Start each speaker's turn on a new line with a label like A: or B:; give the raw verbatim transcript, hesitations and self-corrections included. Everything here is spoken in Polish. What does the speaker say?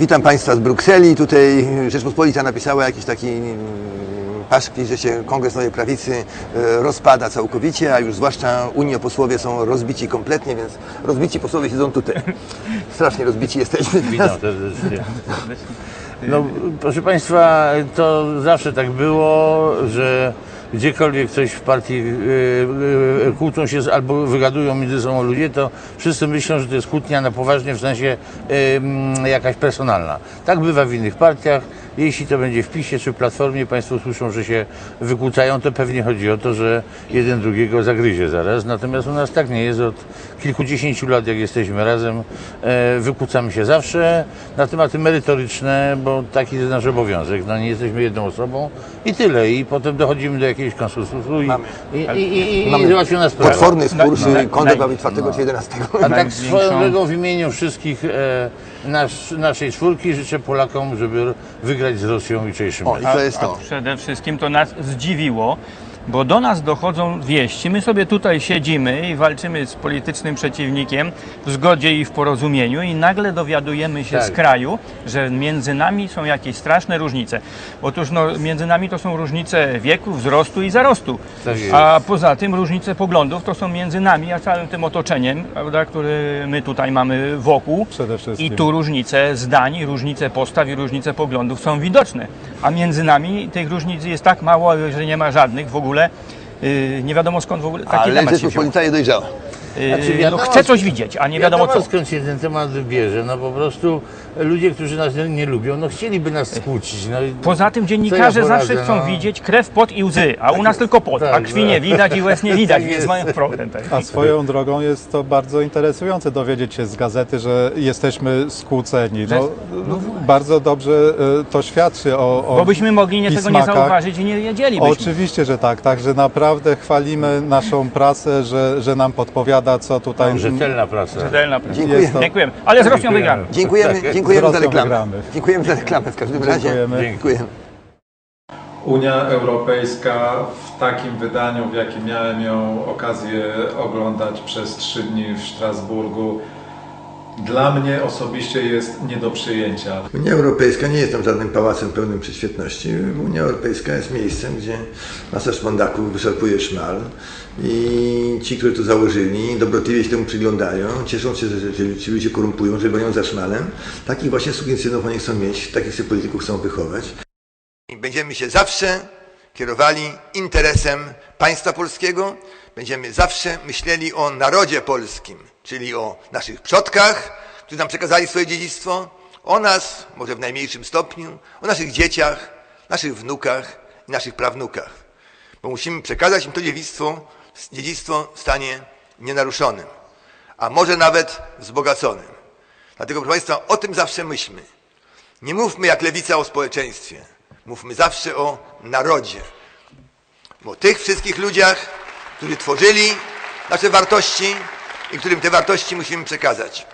A: Witam Państwa z Brukseli. Tutaj Rzeczpospolita napisała jakiś taki paszkwil, że się Kongres Nowej Prawicy rozpada całkowicie, a już zwłaszcza unioposłowie są rozbici kompletnie, więc rozbici posłowie siedzą tutaj. Strasznie rozbici jesteśmy.
B: Witam serdecznie. No, proszę Państwa, to zawsze tak było, że gdziekolwiek coś w partii yy, yy, kłócą się albo wygadują między sobą ludzie, to wszyscy myślą, że to jest kłótnia na poważnie, w sensie yy, jakaś personalna. Tak bywa w innych partiach. Jeśli to będzie w PiSie czy w Platformie, Państwo słyszą, że się wykłócają, to pewnie chodzi o to, że jeden drugiego zagryzie zaraz. Natomiast u nas tak nie jest. Od kilkudziesięciu lat, jak jesteśmy razem, e, wykłócamy się zawsze na tematy merytoryczne, bo taki jest nasz obowiązek. No, nie jesteśmy jedną osobą i tyle. I potem dochodzimy do jakiegoś konsensusu i, i, i, i, i, i załatwiona sprawa.
A: Potworny spór,
B: No,
A: czy Kongres ma być
B: no.
A: czwartego czy jedenastego.
B: A tak swoją drogą w imieniu wszystkich e, nasz, naszej czwórki życzę Polakom, żeby wygrać z Rosją jutrzejszym
A: O, i to jest to.
C: Przede wszystkim to nas zdziwiło, bo do nas dochodzą wieści. My sobie tutaj siedzimy i walczymy z politycznym przeciwnikiem w zgodzie i w porozumieniu i nagle dowiadujemy się
B: Tak.
C: z kraju, że między nami są jakieś straszne różnice. Otóż no, między nami to są różnice wieku, wzrostu i zarostu.
B: Tak jest.
C: A poza tym różnice poglądów to są między nami a całym tym otoczeniem, prawda, który my tutaj mamy wokół.
D: Przede wszystkim.
C: I tu różnice zdań, różnice postaw i różnice poglądów są widoczne. A między nami tych różnic jest tak mało, że nie ma żadnych w ogóle. Yy, nie wiadomo skąd w ogóle taki
A: Ale
C: temat się wziął.
A: Rzeczpospolita nie dojrzała.
C: Yy,
B: Znaczy,
C: no,
B: wiadomo,
C: chce coś widzieć, a nie wiadomo co.
B: skąd się ten temat bierze. No po prostu ludzie, którzy nas nie, nie lubią, no chcieliby nas skłócić. No, i
C: Poza tym
B: co
C: dziennikarze
B: ja poradzę,
C: zawsze chcą
B: no.
C: widzieć krew, pot i łzy, a u nas tylko pot, a
B: tak,
C: krwi
B: tak.
C: nie widać i łez nie widać,
B: Tak
C: więc
B: jest.
C: mają problem. Tak.
D: A swoją drogą jest to bardzo interesujące dowiedzieć się z gazety, że jesteśmy skłóceni. No, bardzo dobrze e, to świadczy o, o
C: Bo byśmy mogli nie tego nie
D: pismakach.
C: zauważyć i nie wiedzielibyśmy.
D: Oczywiście, że tak. Także naprawdę chwalimy naszą prasę, że, że nam podpowiada, co tutaj...
B: Rzetelna praca.
C: Rzetelna praca.
A: Dziękuję.
D: Jest to-
C: Dziękujemy. Ale z Rosją wygramy.
A: Dziękujemy,
B: Tak,
A: dziękujemy
D: z
A: za
D: Rosją
A: reklamę.
D: wygramy.
A: Dziękujemy za reklamę w każdym razie.
D: Dziękujemy.
A: Dziękuję.
E: Unia Europejska w takim wydaniu, w jakim miałem ją okazję oglądać przez trzy dni w Strasburgu, dla mnie osobiście jest nie do przyjęcia.
A: Unia Europejska nie jest tam żadnym pałacem pełnym prześwietności. Unia Europejska jest miejscem, gdzie masa szpondaków wyszarpuje szmal i ci, którzy to założyli, dobrotliwie się temu przyglądają, cieszą się, że ci, ci ludzie korumpują, że gonią za szmalem. Takich właśnie sukinsynów oni chcą mieć, takich sobie polityków chcą wychować. Będziemy się zawsze kierowali interesem państwa polskiego, będziemy zawsze myśleli o narodzie polskim, czyli o naszych przodkach, którzy nam przekazali swoje dziedzictwo, o nas, może w najmniejszym stopniu, o naszych dzieciach, naszych wnukach i naszych prawnukach. Bo musimy przekazać im to dziedzictwo, dziedzictwo w stanie nienaruszonym, a może nawet wzbogaconym. Dlatego, proszę Państwa, o tym zawsze myślmy. Nie mówmy jak lewica o społeczeństwie. Mówmy zawsze o narodzie. O tych wszystkich ludziach, którzy tworzyli nasze wartości i którym te wartości musimy przekazać.